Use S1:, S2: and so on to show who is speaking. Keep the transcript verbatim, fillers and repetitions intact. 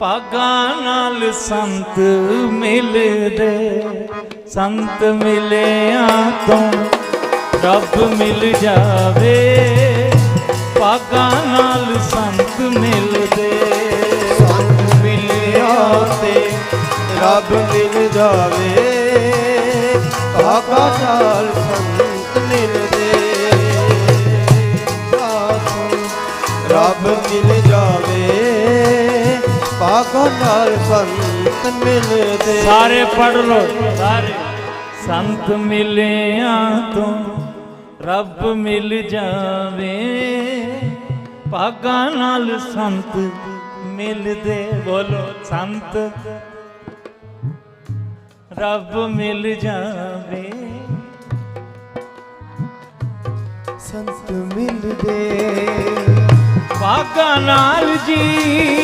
S1: ਭਾਗਾਂ ਨਾਲ ਸੰਤ ਮਿਲਦੇ, ਸੰਤ ਮਿਲਿਆ ਤੋਂ ਰੱਬ ਮਿਲ ਜਾਵੇ। ਭਾਗਾਂ ਨਾਲ ਸੰਤ ਮਿਲਦੇ,
S2: ਸੰਤ ਮਿਲਿਆ ਤੇ ਰੱਬ ਮਿਲ ਜਾਵੇ। ਭਾਗਾਂ ਨਾਲ ਸੰਤ ਮਿਲਦੇ, ਰੱਬ ਮਿਲ ਜਾਵੇ। ਭਾਗਾਂ ਨਾਲ ਸੰਤ ਮਿਲਦੇ।
S1: ਸਾਰੇ ਪੜ੍ਹ ਲੋ ਸਾਰੇ। ਸੰਤ ਮਿਲਿਆ ਤੋਂ ਰੱਬ ਮਿਲ ਜਾਵੇ। ਭਾਗਾਂ ਨਾਲ ਸੰਤ ਮਿਲਦੇ। ਬੋਲੋ ਸੰਤ ਰੱਬ ਮਿਲ ਜਾਵੇ।
S2: ਸੰਤ ਮਿਲਦੇ
S1: ਭਾਗਾਂ ਨਾਲ ਜੀ